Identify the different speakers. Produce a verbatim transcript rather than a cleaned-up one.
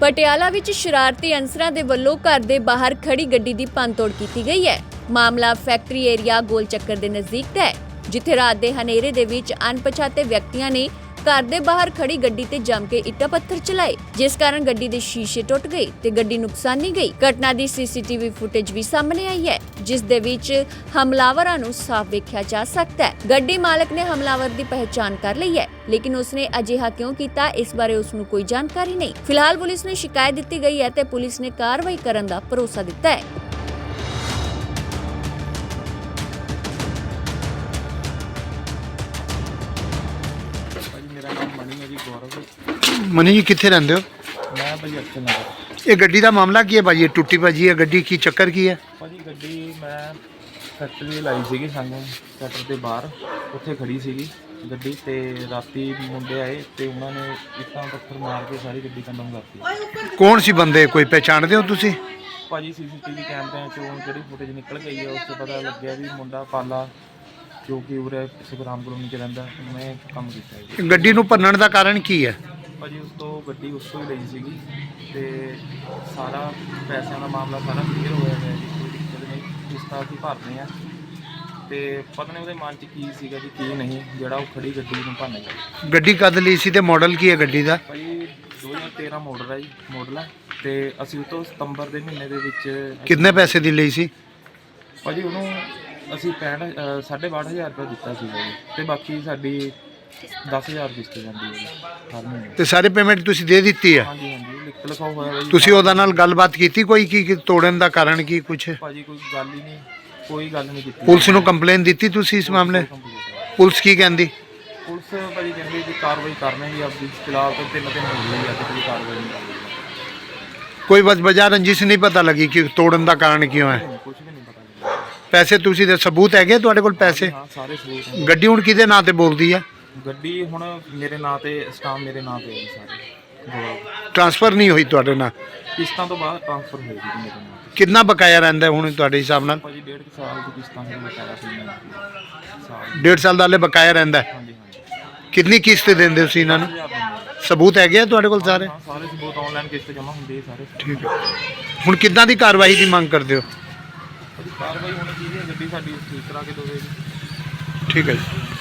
Speaker 1: ਪਟਿਆਲਾ ਵਿੱਚ ਸ਼ਰਾਰਤੀ ਅਨਸਰਾਂ ਦੇ ਵੱਲੋਂ ਘਰ ਦੇ ਬਾਹਰ ਖੜੀ ਗੱਡੀ ਦੀ ਭੰਨਤੋੜ ਕੀਤੀ ਗਈ ਹੈ। ਮਾਮਲਾ ਫੈਕਟਰੀ ਏਰੀਆ ਗੋਲ ਚੱਕਰ ਦੇ ਨਜ਼ਦੀਕ ਦਾ ਹੈ, ਜਿੱਥੇ ਰਾਤ ਦੇ ਹਨੇਰੇ ਦੇ ਵਿੱਚ ਅਣਪਛਾਤੇ ਵਿਅਕਤੀਆਂ ਨੇ ਘਰ ਦੇ ਬਾਹਰ ਖੜੀ ਗੱਡੀ ਤੇ ਜੰਮ ਕੇ ਇੱਟਾਂ ਪੱਥਰ ਚਲਾਏ, ਜਿਸ ਕਾਰਨ ਗੱਡੀ ਦੇ ਸ਼ੀਸ਼ੇ ਟੁੱਟ ਗਏ ਤੇ ਗੱਡੀ ਨੁਕਸਾਨੀ ਗਈ। ਘਟਨਾ ਦੀ ਸੀਸੀਟੀਵੀ ਫੁਟੇਜ ਵੀ ਸਾਹਮਣੇ ਆਈ ਹੈ, ਜਿਸ ਦੇ ਵਿੱਚ ਹਮਲਾਵਰਾਂ ਨੂੰ ਸਾਫ਼ ਵੇਖਿਆ ਜਾ ਸਕਦਾ ਹੈ। ਗੱਡੀ ਮਾਲਕ ਨੇ ਹਮਲਾਵਰ ਦੀ ਪਹਿਚਾਣ ਕਰ ਲਈ ਹੈ, ਲੇਕਿਨ ਉਸਨੇ ਅਜਿਹਾ ਕਿਉਂ ਕੀਤਾ, ਇਸ ਬਾਰੇ ਉਸ ਨੂੰ ਕੋਈ ਜਾਣਕਾਰੀ ਨਹੀਂ। ਫਿਲਹਾਲ ਪੁਲਿਸ ਨੂੰ ਸ਼ਿਕਾਇਤ ਦਿੱਤੀ ਗਈ ਹੈ ਤੇ ਪੁਲਿਸ ਨੇ ਕਾਰਵਾਈ ਕਰਨ ਦਾ ਭਰੋਸਾ ਦਿੱਤਾ ਹੈ।
Speaker 2: मनी जी कितने रहंदे हो?
Speaker 3: मैं भाजी अक्षय नगर।
Speaker 2: ये गड्डी का मामला की है भाजी? टुटी भाजी है गड्डी की, चक्कर की है
Speaker 3: भाजी? गड्डी मैं फैक्ट्री लाई सी सानू सैटर के बाहर, उत्थे खड़ी सी गड्डी ते राती मुंडे आए तो उन्होंने इट्टां पत्थर मार के सारी गड्डी कंडम करती।
Speaker 2: कौन सी बंदे, कोई पहचानते हो तुसी?
Speaker 3: भाजी सीसीटीवी कैमरे चो जी फुटेज निकल गई है, उससे पता लग गया भी मुंडा पाला जो कि उरे सुखराम कलोनी च रहिंदा, उन्हें काम कीता।
Speaker 2: गड्डी नूं भन्नण दा कारण की है?
Speaker 3: भाजी उस तो गड्डी उस तो ही लई सीगी ते सारा पैसों का मामला सारा क्लीयर होया है जी, कोई दिक्कत नहीं। किस्तां असीं भरदे आ ते पता नहीं उहदे मन च की सीगा जी की नहीं, जिहड़ा वो खड़ी गड्डी नूं भन्न गया।
Speaker 2: गड्डी कद लई सी ते मॉडल की है गड्डी दा?
Speaker 3: भाजी दो हज़ार तेरह मॉडल है जी, मॉडल है ते असीं उस तो सितंबर दे महीने दे विच
Speaker 2: कितने पैसे दी लई सी?
Speaker 3: भाजी उहनूं ਅਸੀਂ पैंठ साढ़े बाहठ हज़ार रुपये दिता सीगा जी, ते बाकी साडी दस हज़ार किस्त ਜਾਂਦੀ ਹੈ ਹਰ ਮਹੀਨੇ।
Speaker 2: ਤੇ ਸਾਰੇ ਪੇਮੈਂਟ ਤੁਸੀਂ ਦੇ ਦਿੱਤੀ ਹੈ?
Speaker 3: ਹਾਂਜੀ ਹਾਂਜੀ ਲਿਖ ਲਿਖਾਓ ਹੋਇਆ ਹੈ ਜੀ।
Speaker 2: ਤੁਸੀਂ ਉਹਦਾ ਨਾਲ ਗੱਲਬਾਤ ਕੀਤੀ ਕੋਈ ਕੀ ਕੀ ਤੋੜਨ ਦਾ ਕਾਰਨ ਕੀ ਕੁਛ?
Speaker 3: ਭਾਜੀ ਕੋਈ ਗੱਲ ਹੀ ਨਹੀਂ, ਕੋਈ ਗੱਲ ਨਹੀਂ ਕੀਤੀ।
Speaker 2: ਪੁਲਿਸ ਨੂੰ ਕੰਪਲੇਨ ਦਿੱਤੀ ਤੁਸੀਂ ਇਸ ਮਾਮਲੇ? ਪੁਲਿਸ ਕੀ ਕਹਿੰਦੀ?
Speaker 3: ਪੁਲਿਸ ਭਾਜੀ ਕਹਿੰਦੀ ਜੀ ਕਾਰਵਾਈ ਕਰਨੀ ਜੀ ਆਪਦੀ, ਫਿਲਹਾਲ ਤਾਂ ਤਿੰਨ ਦਿਨ ਹੋ ਗਏ ਅੱਜ ਕੋਈ ਕਾਰਵਾਈ ਨਹੀਂ ਕਰ ਰਹੀ।
Speaker 2: ਕੋਈ ਵਜ ਵਜ੍ਹਾ ਰੰਜਿਸ਼ ਨਹੀਂ ਪਤਾ ਲੱਗੀ ਕਿ ਤੋੜਨ ਦਾ ਕਾਰਨ ਕਿਉਂ ਹੈ?
Speaker 3: ਕੁਝ ਵੀ ਨਹੀਂ ਪਤਾ।
Speaker 2: ਪੈਸੇ ਤੁਸੀਂ ਦੇ ਸਬੂਤ ਹੈਗੇ ਤੁਹਾਡੇ ਕੋਲ ਪੈਸੇ?
Speaker 3: ਹਾਂ ਸਾਰੇ ਸਬੂਤ ਹੈ।
Speaker 2: ਗੱਡੀ ਹੁਣ ਕਿਹਦੇ ਨਾਂ ਤੇ ਬੋਲਦੀ ਹੈ?
Speaker 3: ਗੱਡੀ ਹੁਣ ਮੇਰੇ ਨਾਂ ਤੇ, ਸਟਾਮ ਮੇਰੇ ਨਾਂ ਤੇ ਹੈ ਸਾਰੇ।
Speaker 2: ਟ੍ਰਾਂਸਫਰ ਨਹੀਂ ਹੋਈ ਤੁਹਾਡੇ ਨਾਲ?
Speaker 3: ਕਿਸ਼ਤਾਂ ਤੋਂ ਬਾਅਦ ਟ੍ਰਾਂਸਫਰ ਹੋਈ ਜੀ ਮੇਰੇ ਨਾਂ ਤੇ।
Speaker 2: ਕਿੰਨਾ ਬਕਾਇਆ ਰਹਿੰਦਾ ਹੁਣ ਤੁਹਾਡੇ ਹਿਸਾਬ ਨਾਲ?
Speaker 3: ਭਾਜੀ ਡੇਢ ਸਾਲ ਦੀ ਕਿਸ਼ਤਾਂ ਦੀ ਬਕਾਇਆ ਸੀ ਸਾਲ।
Speaker 2: ਡੇਢ ਸਾਲ ਦਾ ਹਲੇ ਬਕਾਇਆ ਰਹਿੰਦਾ ਹੈ?
Speaker 3: ਹਾਂਜੀ ਹਾਂਜੀ।
Speaker 2: ਕਿੰਨੀ ਕਿਸ਼ਤ ਦਿੰਦੇ ਹੋ ਤੁਸੀਂ ਇਹਨਾਂ ਨੂੰ? ਸਬੂਤ ਹੈਗੇ ਆ ਤੁਹਾਡੇ ਕੋਲ ਸਾਰੇ?
Speaker 3: ਹਾਂ ਸਾਰੇ ਸਬੂਤ ਆਨਲਾਈਨ ਕਿਸ਼ਤ ਜਮ੍ਹਾਂ ਹੁੰਦੀ ਹੈ ਸਾਰੇ।
Speaker 2: ਠੀਕ ਹੈ, ਹੁਣ ਕਿੱਦਾਂ ਦੀ ਕਾਰਵਾਈ ਦੀ ਮੰਗ ਕਰਦੇ ਹੋ?
Speaker 3: ਕਾਰਵਾਈ ਹੋਣੀ ਚਾਹੀਦੀ ਹੈ, ਗੱਡੀ ਸਾਡੀ ਠੀਕ ਕਰਾ ਕੇ ਦੋਵੇ ਜੀ।
Speaker 2: ਠੀਕ ਹੈ ਜੀ।